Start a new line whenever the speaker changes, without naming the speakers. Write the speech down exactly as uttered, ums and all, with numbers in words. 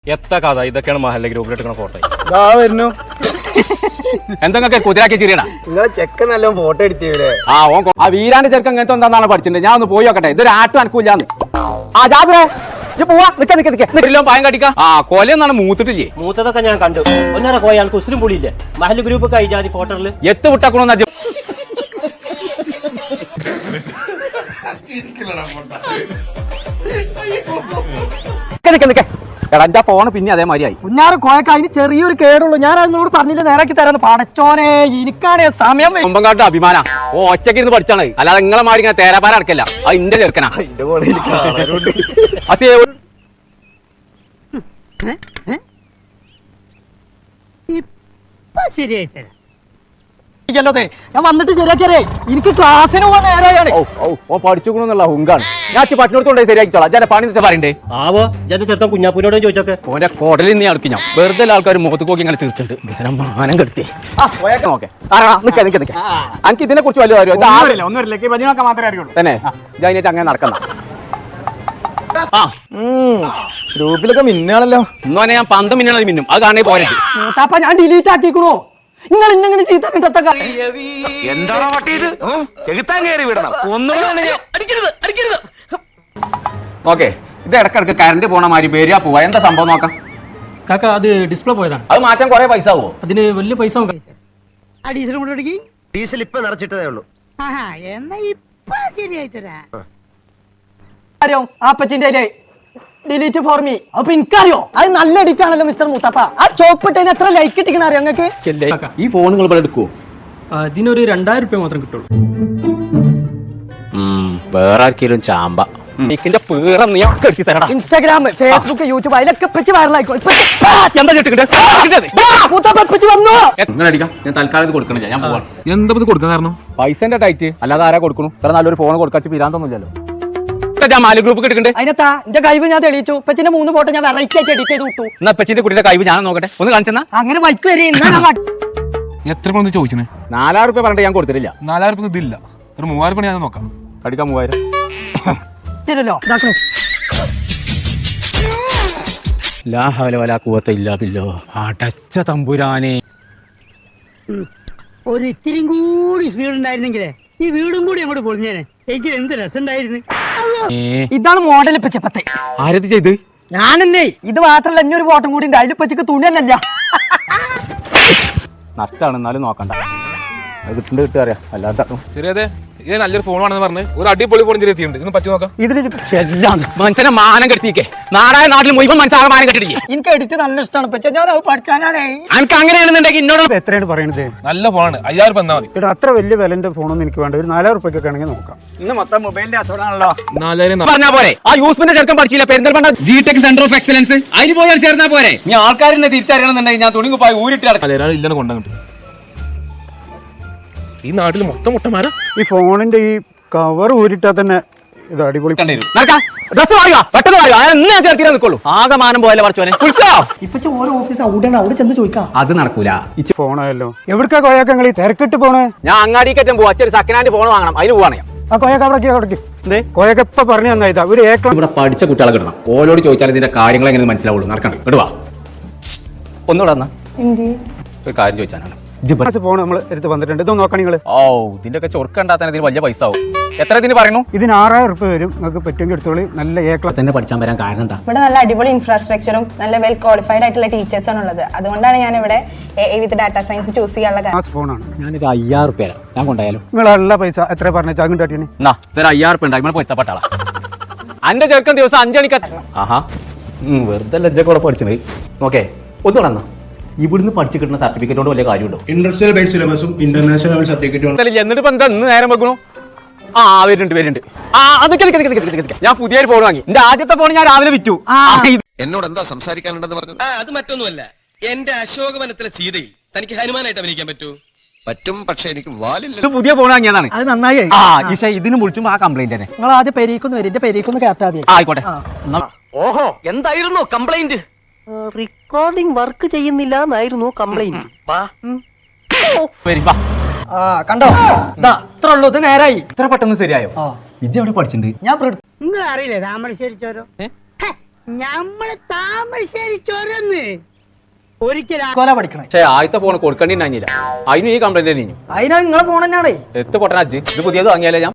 എത്ര കഥ ഇതൊക്കെയാണ് മഹല്ല ഗ്രൂപ്പിലിട്ട് ഫോട്ടോ
വരുന്നു
എന്തൊക്കെ കുതിരാക്കി ശരിയടാ
നിങ്ങളെ ചെക്കൻ നല്ല ഫോട്ടോ എടുത്തിവിടെ
ആ ഓ ആ വീരാന്റെ ചെറുക്കൻ അങ്ങനത്തെ എന്താണെന്നാണ് പഠിച്ചിട്ടുണ്ട് ഞാൻ ഒന്ന് പോയി നോക്കട്ടെ ഇതൊരു ആട്ടും അനക്കൂല്ലാന്ന് ആ ജാബിറേ പോവാ നിക്ക നിക്ക നിക്കല്ലോ പായം കടിക്കാം ആ കൊലയൊന്നാണ് മൂത്തിട്ടില്ലേ
മൂത്തതൊക്കെ ഞാൻ കണ്ടു ഒന്നര പോയാൽ കുസ്ലിം പുളിയില്ലേ മഹല് ഗ്രൂപ്പ് കൈജാതി ഫോട്ടോയില്
എത്ത് വിട്ടാക്കണോന്ന് നിക്ക നിക്ക എടാ എന്റെ ഫോണ് പിന്നെ അതേമാതിരിയായി
കുഞ്ഞാറ് കോയക്ക അതിന് ചെറിയൊരു കേടുള്ളൂ ഞാൻ അതിനോട് പറഞ്ഞില്ല നേരാക്കി തരാന്ന് പടച്ചോനെ എനിക്കാണ് സമയം
കുമ്പങ്കാട്ട് അഭിമാന ഓ ഒറ്റയ്ക്ക് ഇരുന്ന് പഠിച്ചാണ് അല്ലാതെ നിങ്ങളെ മാറി ഇങ്ങനെ തേരാപ്പാര അടക്കല്ല അത് ഇന്റെ ചെറുക്കനാ
ശരിയായി തരാം ഞാൻ വന്നിട്ട് ശരിയാക്കിയേ എനിക്ക് ക്ലാസ്സിന് പോകാൻ നേരെയാണ്
ഓ പഠിച്ചുകൊള്ളുന്നുള്ള ഹുങ്കാണ് ഞാൻ പട്ടിനോടത്തോണ്ടേ ശരിയാക്കിച്ചോളാം ഞാൻ പണി പറയണ്ടേ
ആവോ ജന്റെ ചെറുക്കൻ കുഞ്ഞാപ്പൂരോട് ചോദിച്ചോക്കെ
ഓന്റെ കോടലിൽ നീ അടുക്കി ഞാൻ വെറുതെ ആൾക്കാർ മുഖത്ത് നോക്കി ഇങ്ങനെ തീർച്ചിട്ടുണ്ട് മാനം കെടുത്തി ഓക്കെ നിക്ക നിക്ക നിക്ക എനിക്ക് ഇതിനെ കുറിച്ച് വലിയ കാര്യം തന്നെ ഞാൻ അങ്ങനെ നടക്കുന്ന
ഗ്രൂപ്പിലൊക്കെ മിന്നാണല്ലോ
ഇന്നോനെ ഞാൻ പന്ത് മിന്നണ മിന്നും അത് കാണേ പോരെ
മൂത്താപ്പ ഞാൻ ഡിലീറ്റ് ആക്കിക്കണോ നിങ്ങൾ ഇന്നെങ്ങനെ ചീത്ത
എന്താണോ പട്ടിയത് ചെകുത്താൻ കയറി വിടണം ഓക്കെ ഇത് ഇടക്കിടക്ക് കറണ്ട് പോണ മാതിരി പേരിയാ പോവാ എന്താ സംഭവം നോക്കാം
കാക്ക അത് ഡിസ്പ്ലേ പോയതാണ്
അത് മാറ്റാൻ കുറെ പൈസ ആവോ
അതിന് വലിയ പൈസ
ഡീസൽ കൊണ്ടുപിടിക്ക്
ഡീസൽ ഇപ്പൊ നിറച്ചിട്ടതേ ഉള്ളൂ
എന്നാ ഇപ്പൊ ശരിയായി തരാം ആപ്പച്ചിന്റെ ഡിലീറ്റ് ഫോർ മീ അപ്പൊ എനിക്കറിയോ അത് നല്ല എഡിറ്റ് ആണല്ലോ മിസ്റ്റർ മുത്തപ്പ ആ ചോപ്പിട്ടതിന് എത്ര ലൈക്ക് ഇട്ടിക്കണ അറിയോ നിങ്ങൾക്ക്
ഈ ഫോണുകൾ ഇവിടെ എടുക്കുവോ
അതിനൊരു രണ്ടായിരം രൂപ മാത്രം കിട്ടുള്ളൂ
വേറെ ആർക്കെങ്കിലും ചാമ്പ
ഇൻസ്റ്റാഗ്രാം ഫേസ്ബുക്ക് യൂട്യൂബ് അതിലൊക്കെ പറ്റി വൈറലായിക്കോ വന്നു
ഞാൻ തൽക്കാലം കൊടുക്കണില്ല ഞാൻ പോവാ
എന്താ കൊടുക്കാൻ കാരണം
പൈസന്റെ ടൈറ്റ് അല്ലാതെ ആരാ കൊടുക്കണു ഇത്ര നല്ലൊരു ഫോൺ കൊടുക്കാച്ച് പിരാന്തൊന്നുമില്ലല്ലോ ഞാൻ മാലി ഗ്രൂപ്പ് കിട്ടുന്നുണ്ട്
അതിനകത്താ എന്റെ കഴിവ് ഞാൻ തെളിയിച്ചു പച്ചിന്റെ മൂന്ന് ഫോട്ടോ ഞാൻ വെറൈറ്റി ആയിട്ട് എഡിറ്റ് ചെയ്ത് വിട്ടു
എന്നാ പച്ചിന്റെ കുട്ടിയുടെ കഴിവ് ഞാൻ നോക്കട്ടെ ഒന്ന് കാണിച്ചെന്നാ
അങ്ങനെ വൈക്ക് വരെ
എത്ര പണം ചോദിച്ചേ
നാലായിരം റുപ്യ പറഞ്ഞിട്ട് ഞാൻ കൊടുത്തിട്ടില്ല
നാലായിരം രൂപ ഇതില്ല ഒരു മൂവായിരം പണി ഞാൻ നോക്കാം
അടിക്കാൻ മൂവായിരം
തരുമല്ലോ
ലാ ഹവല വലാ ഖുവത ഇല്ലാ ബില്ലാഹ് അടച്ച തമ്പുരാനെ
ഒരു ഇത്തിരി കൂടി സ്പീഡ് ഉണ്ടായിരുന്നെങ്കിലേ ഈ വീടും കൂടി അങ്ങോട്ട് പൊളിഞ്ഞേനെ എനിക്ക് എന്ത് രസമുണ്ടായിരുന്നു ഇതാണ് മോഡൽ പച്ചപ്പത്തെ
ആരത് ചെയ്ത്
ഞാനെന്നേ ഇത് മാത്രല്ല ഇനി ഒരു ഫോട്ടോ കൂടി ഉണ്ട് അതിൽ പച്ചക്ക് തുണി തന്നെയല്ല
നഷ്ടമാണ് എന്നാലും നോക്കണ്ട അത് കിട്ടുന്നുണ്ട് കിട്ടുക അറിയാം അല്ലാത്ത
ചെറിയതെ ഇത് നല്ലൊരു ഫോണാണെന്ന് പറഞ്ഞ് ഒരു അടിപൊളി ഫോൺ ചെറിയ എത്തിയിട്ടുണ്ട് ഇന്ന് പറ്റി നോക്കാം
ഇതിൽ മനുഷ്യനെ മാനം കെട്ടിക്കേ നാടായ നാട്ടിൽ മുഴുവൻ മനുഷ്യനെ മാനം കെട്ടിടിക്കേ
എനിക്ക് എഡിറ്റ് നല്ല ഇഷ്ടമാണ് പക്ഷെ ഞാൻ അത് പഠിച്ചാനാണേ
എനിക്ക് അങ്ങനെയാണെന്നുണ്ടെങ്കിൽ എന്നോട്
എത്രയാണ് പറയണത്
നല്ല ഫോണാണ് അയ്യായിരം രൂപ എന്നാൽ മതി
ഇവിടെ അത്ര വലിയ വിലന്റെ ഫോണൊന്നും എനിക്ക് വേണ്ട ഒരു നാലായിരം റുപ്യൊക്കെ ആണെങ്കിൽ നോക്കാം ഇന്ന് മൊത്തം മൊബൈലിന്റെ അസുഖമാണല്ലോ
നാലായിരം
പറഞ്ഞാ പോരെ ആ യൂസ്മിന്റെ ചെറുക്കം പഠിച്ചില്ല Perinthalmanna G tech centre of excellence അതിന് പോയാൽ ചേർന്നാ പോരെ നീ ആൾക്കാരെ തിരിച്ചറിയണമെന്നുണ്ടെങ്കിൽ ഞാൻ തുണി പോയി ഊരിട്ട്
നാലായിരം ഇല്ലെന്ന് കൊണ്ടുവന്നിട്ട് ഈ നാട്ടിൽ മൊത്തം മുട്ടന്മാരാ
ഈ ഫോണിന്റെ ഈ കവർ ഊരിട്ടാ തന്നെ ഇത് അടിപൊളി
ഡ്രസ് വാങ്ങുക പെട്ടെന്ന് വാങ്ങുക ഞാൻ ചേർത്തിരാ നിൽക്കുള്ളൂ ആകെ മാനം പോയാലേ പറച്ചോനെ
ഇപ്പൊ ഓരോ ഓഫീസ് അവിടെയാണ് അവിടെ ചെന്ന് ചോദിക്കാം
അത് നടക്കൂല
ഇച്ച് ഫോണായല്ലോ എവിടക്കാ കോയാക്ക നിങ്ങൾ ഈ തിരക്കിട്ട് പോണേ
ഞാൻ അങ്ങാടി കയറ്റം പോവാ ഒരു സെക്കൻഡ് ഹാൻഡ് ഫോൺ വാങ്ങണം അതിന് പോവാണ് ഞാൻ
ആ കോയക്ക അവിടേക്ക് അവിടേക്ക് എന്തേ കോയക്ക ഇപ്പൊ പറഞ്ഞു തന്നായിട്ടാ ഒരു ഏക്കർ
ഇവിടെ പഠിച്ച കുട്ടികളെ കിട്ടണം ഓരോട് ചോദിച്ചാൽ ഇതിന്റെ കാര്യങ്ങൾ എങ്ങനെ മനസ്സിലാവുള്ളൂ നടക്കണം ഇടുവാ ഒന്നുകൂടെ വന്നാ ഒരു കാര്യം ചോദിച്ചാലാണ്
ഫോൺ നമ്മൾ എടുത്ത് വന്നിട്ടുണ്ട് ഇതൊന്നും നോക്കാം നിങ്ങൾ
ഓ ഇതിന്റെ ഒക്കെ ചൊറുക്കണ്ടാത്ത ഇതിന് വലിയ പൈസ ആവും എത്ര ഇതിന് പറയുന്നു
ഇതിന് ആറായിരം റുപ്യ വരും നിങ്ങൾക്ക് പറ്റുമെങ്കിൽ എടുത്തോളി നല്ല ഏക്കള
തന്നെ പഠിച്ചാൻ വരാൻ കാരണം എന്താ
ഇവിടെ നല്ല അടിപൊളി ഇൻഫ്രാസ്ട്രക്ചറും നല്ല വെൽ ക്വാളിഫൈഡ് ആയിട്ടുള്ള ടീച്ചേഴ്സാണ് ഉള്ളത് അതുകൊണ്ടാണ് ഞാൻ ഇവിടെ വിത്ത് ഡാറ്റ സയൻസ് ചൂസ് ചെയ്യാനുള്ള കാര്യം.
ഫോണാണ്
ഞാനിത് അയ്യായിരം റുപ്യ ഞാൻ കൊണ്ടായാലും
നിങ്ങളുള്ള പൈസ എത്ര പറഞ്ഞ ചാകും കാട്ടിന്
എന്നാ ഇതൊരു അയ്യായിരം റുപ്യ ഉണ്ടായി നമ്മൾ പൊരുത്തപ്പെട്ടാളാ അന്റെ ചെറുക്കൻ ദിവസം അഞ്ചണിക്ക ആഹാ വെറുതെ ലജ്ജക്കൂടെ പഠിച്ചത് ഓക്കെ ഒന്നുകൂടെ എന്നാ ഇവിടുന്ന് പഠിച്ചു കിട്ടുന്ന സർട്ടിഫിക്കറ്റ് കൊണ്ട് വലിയ കാര്യമുണ്ടോ
ഇൻഡസ്ട്രിയൽ ബേസ്ഡ് സിലബസും ഇന്റർനാഷണൽ സർട്ടിഫിക്കറ്റും
എന്നിട്ട് എന്താ ഇന്ന് നേരം വെക്കണു ആ വരുന്നുണ്ട് വരുന്നുണ്ട് ആ അതൊക്കെ ഞാൻ പുതിയൊരു ഫോൺ വാങ്ങി എന്റെ ആദ്യത്തെ ഫോൺ ഞാൻ രാവിലെ വിറ്റു
എന്നോട് എന്താ സംസാരിക്കാനുണ്ടെന്ന് പറഞ്ഞത്
അത് മറ്റൊന്നുമല്ല എന്റെ അശോകവനത്തിലെ സീതയിൽ തനിക്ക് ഹനുമാനായിട്ട് അഭിനയിക്കാൻ പറ്റൂ
പറ്റും പക്ഷെ എനിക്ക് വാലില്ല
ഇത് പുതിയ ഫോൺ വാങ്ങിയതാണ്
അത് നന്നായി
ആ ഈശ ഇതിന് വിളിച്ചുമ്പോ ആ കംപ്ലൈന്റ് തന്നെ
നിങ്ങൾ ആദ്യം പെരീക്കൊന്ന് വരും എന്റെ പെരീക്കൊന്ന് കേട്ടാ മതി
ആയിക്കോട്ടെ
ഓഹോ എന്തായിരുന്നു കംപ്ലൈന്റ്
റെക്കോർഡിംഗ് വർക്ക് ചെയ്യുന്നില്ല എന്നായിരുന്നു കംപ്ലൈന്റ് ആ കണ്ടോ ഇതാ ഇത്ര ഉള്ളൂ ഇത് നേരായി
ഇത്ര പെട്ടെന്ന് ശരിയായോ ഇജ്ജ് എവിടെ പഠിച്ചിട്ടുണ്ട്
ഞാൻ നിങ്ങൾ അറിയില്ലേ താമരശ്ശേരി ചോരോ നമ്മള് താമരശ്ശേരി ചൊരന്ന് ഒരിക്കലും കൊല പഠിക്കണം.
പക്ഷേ ആദ്യത്തെ ഫോൺ കൊടുക്കേണ്ടി ഉണ്ടായില്ല. അതിന് ഈ കംപ്ലൈന്റ് തന്നെ.
അതിനാ നിങ്ങളെ ഫോൺ തന്നെയാണേ.
എത്ത് പൊട്ടനാജ് ഇത് പുതിയത് വാങ്ങിയാലേ ഞാൻ